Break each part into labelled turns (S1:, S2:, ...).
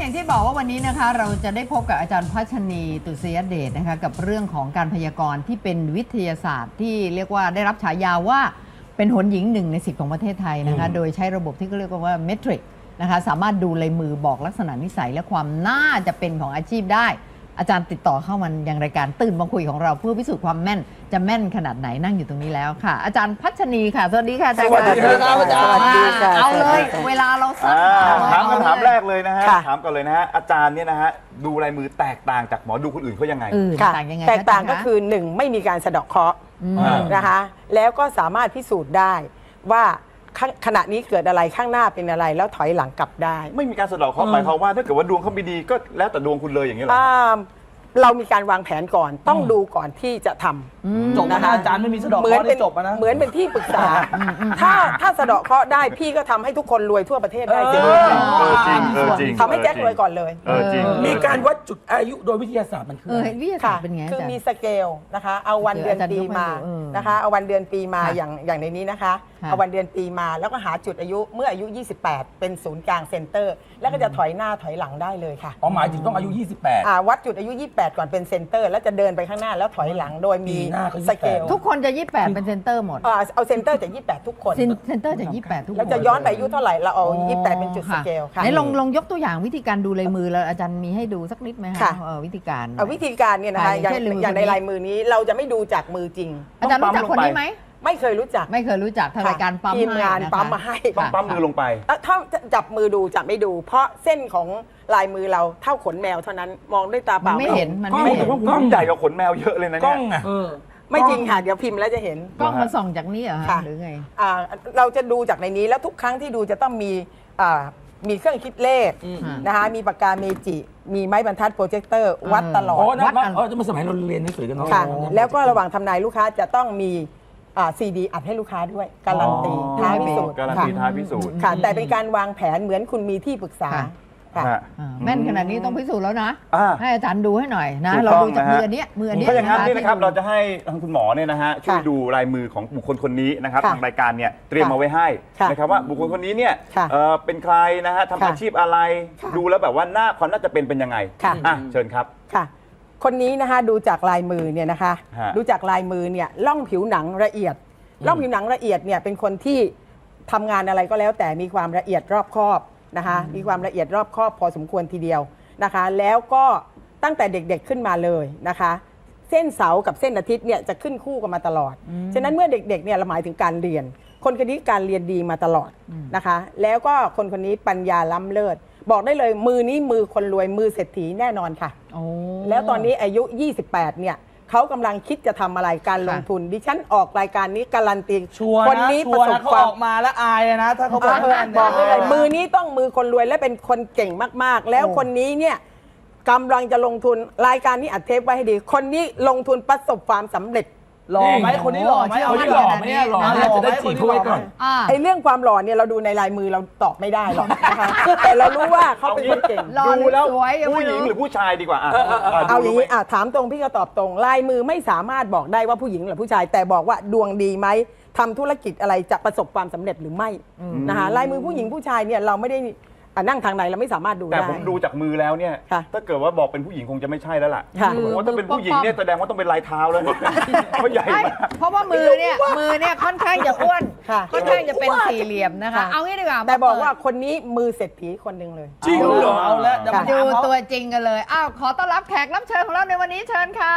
S1: อย่างที่บอกว่าวันนี้นะคะเราจะได้พบกับอาจารย์พัชนีตุษยเดชนะคะกับเรื่องของการพยากรณ์ที่เป็นวิทยาศาสตร์ที่เรียกว่าได้รับฉายาว่าเป็นหนหญิง1 ใน 10ของประเทศไทยนะคะโดยใช้ระบบที่เขาเรียกว่าเมทริกนะคะสามารถดูลายมือบอกลักษณะนิสัยและความน่าจะเป็นของอาชีพได้อาจารย์ติดต่อเข้ามายังรายการตื่นมาคุยของเราเพื่อพิสูจน์ความแม่นจะแม่นขนาดไหนนั่งอยู่ตรงนี้แล้วค่ะอาจารย์พัชนีค่ะสวัสดีค่ะอาจารย์
S2: สวัสดีครับอาจารย์
S1: เอาเลยเวลาเราสั้น
S2: ถามคำถามแรกเลยนะฮะ
S3: ค่ะ
S2: ถามก่อนเลยนะฮะอาจารย์เนี่ยนะฮะดูลายมือแตกต่างจากหมอดูคนอื่นเขายังไง
S3: ค่ะ
S1: ต่างยังไง
S3: แตกต่าง
S1: คะ
S3: ก็คือ1ไม่มีการสะเดาะเคราะห์
S2: อ่า
S3: นะคะแล้วก็สามารถพิสูจน์ได้ว่าขณะนี้เกิดอะไรข้างหน้าเป็นอะไรแล้วถอยหลังกลับได้
S2: ไม่มีการสะเดาะเคราะห์หมายความว่าถ้าเกิดว่าดวงเขาไม่ดีก็แล้วแต่ดวงคุณเลยอย่างนี้เหรอ
S3: เรามีการวางแผนก่อนต้องดูก่อนที่จะทำ
S4: จบนะคะอาจารย์ไม่มีสะเดอก
S3: เหมื
S4: เค
S3: อน
S4: ราะห์
S3: เป็
S4: ได้
S3: น
S4: จบอะนะ
S3: เหมือนเป็นที่ปรึกษาถ้าสะเดาะเคราะห์ได้พี่ก็ทำให้ทุกคนรวยทั่วประเทศได้จริง
S2: จริงจริง
S3: ทำให้แจ็ครวยก่อนเลย
S2: จริง
S4: มีการวัดจุดอายุโดยวิทยาศาสตร์มันคืออะไร
S1: วิทยาศาสตร์เป็นไง
S3: คือ
S1: อาจารย์
S3: มีสเกลนะคะเอาวันเดือนปีมา
S1: เออ
S3: นะคะเอาวันเดือนปีมา
S1: ค่ะ
S3: อย่างในนี้นะคะ
S1: ค่ะ
S3: เอาวันเดือนปีมาแล้วก็หาจุดอายุเมื่ออายุ 28 เป็นศูนย์กลางเซ็นเตอร์ แล้วก็จะถอยหน้าถอยหลังได้เลยค่ะ
S4: อ๋อหมายถึงต้องอายุ 28
S3: วัดจุดอายุ 28 ก่อนเป็นเซ็นเตอร์ แล้วจะเดินไปข้างหน้าแล้วถอยหลังโดยมี
S4: ปีหน้าก็28
S3: สเกล
S1: ทุกคนจะ 28 เป็นเซนเตอร์หมด
S3: เอาเซ็นเตอร์จาก 28 ทุกคน
S1: เซนเตอร์จะ 28 ทุกคน
S3: แล้วจะย้อนไปอายุเท่าไหร่เราเอา 28 เป็นจุดสเกลค่ะ
S1: ไหนลองยกตัวอย่างวิธีการดูลายมือแล้วอาจารย์มีให้ดูสักนิดไหมคะ
S3: ค่ะ
S1: วิธีการ
S3: วิธีการเนี่ยนะคะ
S1: อย่างเช่น
S3: อย่างใน
S1: มือคนนี้
S3: ลายมือนี้เราจะไม่ดูจากมือจริง
S1: อาจารย์รู้จักคนนี้ไหม
S3: ไม่เคยรู้จัก
S1: ไม่เคยรู้จักทางรายการปั๊ม
S3: ทีมงาน
S1: ให้ะคะ
S3: ปั๊มมาให้
S2: ต้องปั๊มมือลงไป
S3: ถ้าจับมือดูจะไม่ดู เพราะเส้นของลายมือเราเท่าขนแมวเท่านั้นมองด้วยตาเป
S1: มัน
S3: ล่า
S1: ไม่เห็นมัน
S2: กล้อง
S1: ไม่เห็น
S2: กล้องใหญ่กว่าขนแมวเยอะเลยนะ
S4: กล้
S2: เนี่
S4: อง
S2: ย
S4: อ่ะ
S3: ไม่จริงค่ะ เดี๋ยวพิมพ์แล้วจะเห็น
S1: กล้องมันส่องจากนี้เหรอคะ
S3: ค่ะ
S1: หรือไง
S3: เราจะดูจากในนี้แล้วทุกครั้งที่ดูจะต้องมีเครื่องคิดเลขนะคะมีปากกาเมจิมีไม้บรรทัดโปรเจคเตอร์วัดตลอ
S4: โอ้
S3: ด
S4: นะจะมาสมัยเราเรียนหนังสือกันเนาะ
S3: ค่ะแล้วก็ระหว่างทำนายลูกค้าจะต้องมีซีดีอัดให้ลูกค้าด้วยการันตีท้ายพิสูจน์
S2: การันตีท้ายพิสูจน์
S3: ค่ะแต่เป็นการวางแผนเหมือนคุณมีที่ปรึกษา
S1: ค่ะ
S3: ค่ะ
S2: ฮะ
S1: แม่นขนาดนี้ต้องพิสูจน์แล้วนะ
S2: อ่า
S1: ให้อาจารย์ดูให้หน่อยนะ
S2: ถูก
S1: เรา
S2: ต้อง
S1: ดูจาก
S2: นะฮะ
S1: มืออันเนี้ยมืออันเนี้ย
S2: ถ้าอย่างนั้นนี่นะครับ
S1: ที่
S2: เราจะให้ทางคุณหมอเนี่ยนะฮะช่วย
S3: ค่ะ
S2: ดูลายมือของบุคคลคนนี้นะครับ
S3: ค่ะ
S2: ทางรายการเนี่ยเตรียมมาไว้ให้
S3: ค่ะ
S2: นะครับว่าบุคคลคนนี้เนี่ย
S3: ค่ะ
S2: เป็นใครนะฮะทำ
S3: ค่ะ
S2: อาชีพอะไร
S3: ค่ะ
S2: ดูแล้วแบบว่าหน้าความน่าจะเป็นยังไง
S3: ค่ะ
S2: อ่ะเชิญครับ
S3: ค่ะคนนี้นะคะดูจากลายมือเนี่ยนะคะ
S2: ฮะ
S3: ดูจากลายมือเนี่ยล่องผิวหนังละเอียดล่องผิวหนังละเอียดเนี่ยเป็นคนที่ทำงานอะไรก็แล้วแต่มีความละเอียดรอบคอบนะคะมีความละเอียดรอบคอบพอสมควรทีเดียวนะคะแล้วก็ตั้งแต่เด็กๆขึ้นมาเลยนะคะเส้นเสาร์กับเส้นอาทิตย์เนี่ยจะขึ้นคู่กันมาตลอด ฉะนั้นเมื่อเด็กๆเนี่ยเราหมายถึงการเรียน คนคนนี้การเรียนดีมาตลอดนะคะแล้วก็คนคนนี้ปัญญาล้ำเลิศบอกได้เลยมือนี้มือคนรวยมือเศรษฐีแน่นอนค่ะ
S1: โอ้
S3: แล้วตอนนี้อายุ 28 เนี่ยเขากำลังคิดจะทำอะไรการลงทุน ดิฉันออกรายการนี้การันตี
S4: ชัวร์
S3: คน
S4: นะ
S3: นี้
S4: ชั
S3: ประ
S4: วร์
S3: ส
S4: นะ
S3: บ
S4: เขา
S3: ควา
S4: อ
S3: ม
S4: อกมาแล้วอายเลยนะ ถ้าเขาบอก
S3: บอกได้เลยมือนี้ต้องมือคนรวยและเป็นคนเก่งมากๆ แล้วคนนี้เนี่ยกำลังจะลงทุนรายการนี้อัดเทปไว้ให้ดี คนนี้ลงทุนประสบความสำเร็จ
S4: หล่อไหมคนนี้หล่อไหมเอาที่หล่อไหมเนี่ยหล่อไหมจะได้จีบเขาไว้ก่อน
S3: ไอ้เรื่องความหล่อเนี่ยเราดูในลายมือเราตอบไม่ได้หรอกนะคะแต่เรารู้ว่าเขาเป็นคนเก่ง
S1: หล่อห
S2: ดู
S1: รือ
S2: แล้ว
S1: สวยยัง
S2: ผู้
S1: ไม่
S2: หญิง
S1: รู้
S2: หรือผู้ชายดีกว่าอ่ะ
S3: เอาอย่างนี้
S2: นี้
S3: ถามตรงพี่ก็ตอบตรง ลายมือไม่สามารถบอกได้ว่าผู้หญิงหรือผู้ชาย แต่บอกว่าดวงดีไหมทำธุรกิจอะไรจะประสบความสำเร็จหรือไม่นะคะลายมือผู้หญิงผู้ชายเนี่ยเราไม่ได้นั่งทางไหนเราไม่สามารถดู
S2: แต่
S3: ได้
S2: ผมดูจากมือแล้วเนี่ย
S3: ค่ะ
S2: ถ้าเกิดว่าบอกเป็นผู้หญิงคงจะไม่ใช่แล้วล่ะ
S3: ค่ะ
S2: ผมว่าถ้าเป็นผู้หญิงเนี่ยแสดงว่าต้องเป็นลายเท้าแล้วเนี่ยเพราะใหญ่
S1: ไม่
S2: มาก
S1: เพราะว่ามือเนี่ยค่อนข้างจะอ้วน
S3: ค่ะ
S1: ค่อนข้างจะเป็นสี่เหลี่ยมนะคะ
S3: ค่ะ
S1: เอางี้ดีกว่า
S3: แต่บอกว่าคนนี้มือเศรษฐีคนหนึ่งเลย
S4: จริงเหรอเอาแล้วเดี๋ยวมา
S1: ดู
S4: ถามเขา
S1: ตัวจริงกันเลยอ้าวขอต้อนรับแขกรับเชิญของเราในวันนี้เชิญค่ะ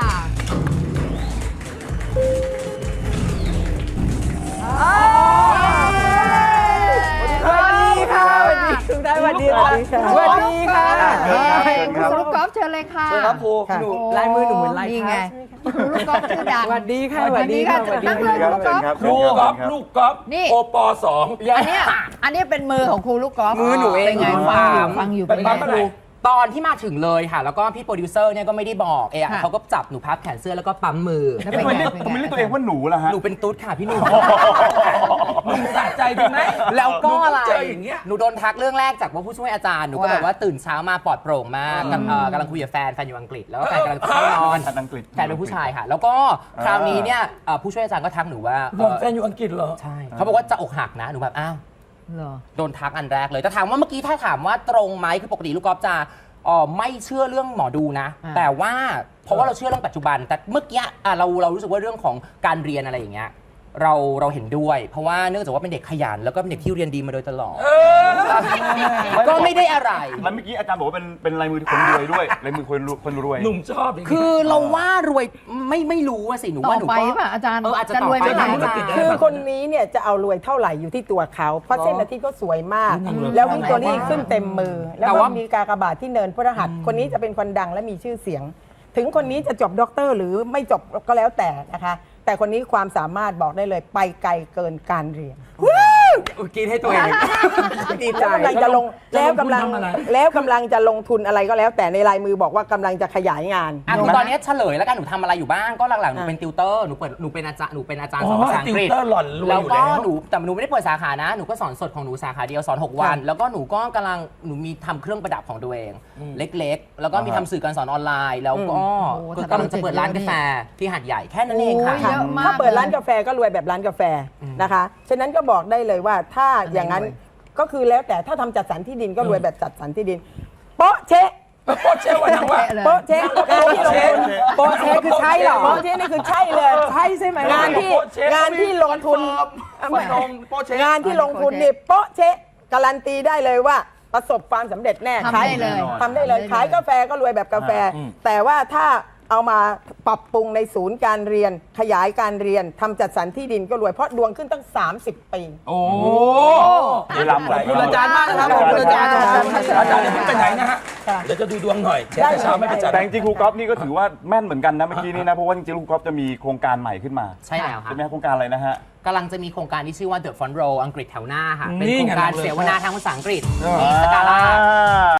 S3: สวัสดีค่ะสวัสดีคุณได้สวัสดีค่ะสวัสดีค่ะ
S1: คุณลูกกอล์ฟเชิญเลยค่ะ
S4: เชิญครับครู
S3: ค่ะ
S4: หนู
S3: ลายมือหนูเหมือนลาย
S1: นี่
S3: เท้า
S1: ไงคุณลูกกอล์ฟชื่อดัง
S3: สวัสดีค่ะ
S1: สวัสดีค่ะ
S3: สวัสดี
S1: นั่งเลยคุณลูกกอล์ฟ
S4: ครูก๊อฟลูกก๊อฟ
S1: นี่
S4: โอปสอง
S1: อันเนี้ยเป็นมือของครูลูกกอล์ฟ
S5: มือหนูเอง
S1: เป็นไง
S5: หนู
S1: ฟังอยู่
S4: เป็
S1: เป็น น
S4: ปั๊
S1: ไง
S4: มอะไร
S5: ตอนที่มาถึงเลยค่ะ แล้วก็พี่โปรดิวเซอร์เนี่ยก็ไม่ได้บอกเอะ
S1: ค่ะ
S5: เขาก็จับหนูพับแขนเสื้อแล้วก็ปั๊มมือ
S1: แล้ว
S2: ทำ
S1: เป็น
S2: ไม
S1: ไง
S2: เรียก
S1: เป็น
S2: ทำไม
S1: ไง
S2: เรียกตัวเองว่าหนูล่ะฮะ
S5: หนูเป็นตุ๊ดค่ะพี่หนู
S4: มึงสะใจดีไหม
S5: แล้วก็อะไร
S4: เจออย่างเงี้ย
S5: หนูโดนทักเรื่องแรกจากว่าผู้ช่วยอาจารย์หนูก็แบบว่าตื่นเช้ามาปลอดโปร่งมากกำลังคุยกับแฟนอยู่อังกฤษแล้วก็แฟนกำลังจะเข้านอน
S2: อังกฤษ
S5: แฟนเป็นผู้ชายค่ะ แล้วก็คราวนี้เนี่ยผู้ช่วยอาจารย์ก็ทักหนูว่า
S4: บอกแฟนอยู่อังกฤษเหรอ
S5: ใช่เขาบอกว่าจะอกหักนะหนูแบบอ้าว
S1: เหรอ
S5: โดนทักอันแรกเลยแต่ถามว่าเมื่อกี้ถ้าถามว่าตรงไหมคือปกติลูกกอล์ฟจะไม่เชื่อเรื่องหมอดูนะ
S1: อ่า
S5: แต่ว่าเพราะว่าเราเชื่อเรื่องปัจจุบัน แต่เมื่อกี้เรารู้สึกว่าเรื่องของการเรียนอะไรอย่างเงี้ยเราเห็นด้วย เพราะว่าเนื่องจากว่าเป็นเด็กขยันแล้วก็เป็นเด็กที่เรียนดีมาโดยตลอดก็ไม่ได้อะไร
S2: แล้วเมื่อกี้อาจารย์บอกว่าเป็นลายมือคนรวยด้วยลายมือคนรวย
S4: หนุ่มชอบย่างนี้
S5: คือเราว่ารวยไม่รู้อะสิหนู
S1: ต่
S5: ว่า
S1: อ
S5: หนู
S1: ไป
S5: ก็
S1: ป่ะอาจารย์
S5: อาจจะ
S1: จะ
S5: ต่อ
S1: รวย
S5: ไป
S1: เท่าไหร่
S4: ธุรกิจ
S3: คือคนนี้เนี่ยจะเอารวยเท่าไหร่อยู่ที่ตัวเขา เพราะเส้นอาทิตย์ก็สวยมาก แล้ววิกตอรี่ขึ้นเต็มมือ แล้วก็มีกากบาทที่เนินพฤหัสคนนี้จะเป็นคนดังและมีชื่อเสียง ถึงคนนี้จะจบด็อกเตอร์หรือไม่จบก็แล้วแต่นะคะ แต่คนนี้ความสามารถบอกได้เลยไปไกลเกินการเรียน
S5: กินให้ตัวเองดีใจ
S3: แล้วกำลังจะลง
S4: จะ
S3: แล้ว
S4: ลงทุน
S3: กำลัง
S4: ทำอะไร
S3: แล้วกำลังจะลงทุนอะไรก็แล้ว แต่ในลายมือบอกว่ากำลังจะขยายงาน
S5: คือตอนนี้เฉลยแล้วกันหนูทำอะไรอยู่บ้างก็หลังๆหนู
S3: อ่ะ
S5: เป็นติวเตอร์หนูเป็นอาจารย์สอน
S4: อ๋อ
S5: ภาษาอังกฤษ
S4: ติวเตอร์หล่อนรวย
S5: แล้ว
S4: อยู่
S5: ก็
S4: แล้ว
S5: แต่หนูไม่ได้เปิดสาขานะหนูก็สอนสดของหนูสาขาเดียวสอน6 วัน แล้วก็หนูก็หนูมีทำเครื่องประดับของตัวเอง เล็กๆ แล้วก็มีทำสื่อการสอนออนไลน์ แล้วก็
S1: โอ้โห
S5: กำลังจะเปิดร้านกาแฟที่หาดใหญ่แค่นั้นเองค่ะ
S1: โอ้ยเยอะมาก
S3: ถ้าเปิดร้านกาแฟก็รวยแบบร้านกาแฟนะคะ ฉะนั้นก็บอกได้เลยว่าถ้าอย่างนั้นก็คือแล้วแต่ถ้าทำจัดสรรที่ดินก็รวยแบบจัดสรรที่ดินโป๊ะเชะ
S4: โคตรเชื่อวันนั้นว่า
S3: โป๊ะเชะงานที่ลงทุนโป๊ะเชะคือใช่เหรอโป๊ะเชะนี่คือใช่เลยใช่ใช่ไหมงานที่
S4: โป๊ะเช๊ะ
S3: งานที่ลงทุน
S2: ไม่ลงโป๊ะเช๊ะ
S3: งานที่ลงทุนนี่โป๊ะเชะการันตีได้เลยว่าประสบความสำเร็จแน่
S1: ทำได้เลย
S3: ทำได้เลยขายกาแฟก็รวยแบบกาแฟ แต่ว่าถ้าเอามาปรับปรุงในศูนย์การเรียนขยายการเรียนทำจัดสรรที่ดินก็รวยเพราะดวงขึ้นตั้ง 30 ปี
S4: โอ้
S2: นี่ลำไหล
S4: ขอบคุณอาจารย์มากนะครับขอบคุณอาจารย์นะครับอาจารย์อย่าเพิ่งไปไหนนะฮะ
S3: ค่ะ
S4: เดี๋ยวจะดูดวงหน่อยเช้าเช้าไม่ไปจัด
S2: แต่จริงๆครูก๊อฟนี่ก็ถือว่าแม่นเหมือนกันนะเมื่อกี้นี้นะเพราะว่าจริงๆครูก๊อฟจะมีโครงการใหม่ขึ้นมา
S5: ใช่แล้วค่ะ
S2: ใช่ไหมครับโครงการอะไรนะฮะ
S5: กำลังจะมีโครงการที่ชื่อว่า The Front Row อังกฤษแถวหน้าค่ะ
S4: นี่
S5: เป็นโครงการ
S4: ไง
S5: เสวนาทางภาษาอังกฤษ
S2: อ่า
S5: ที่สกาล่า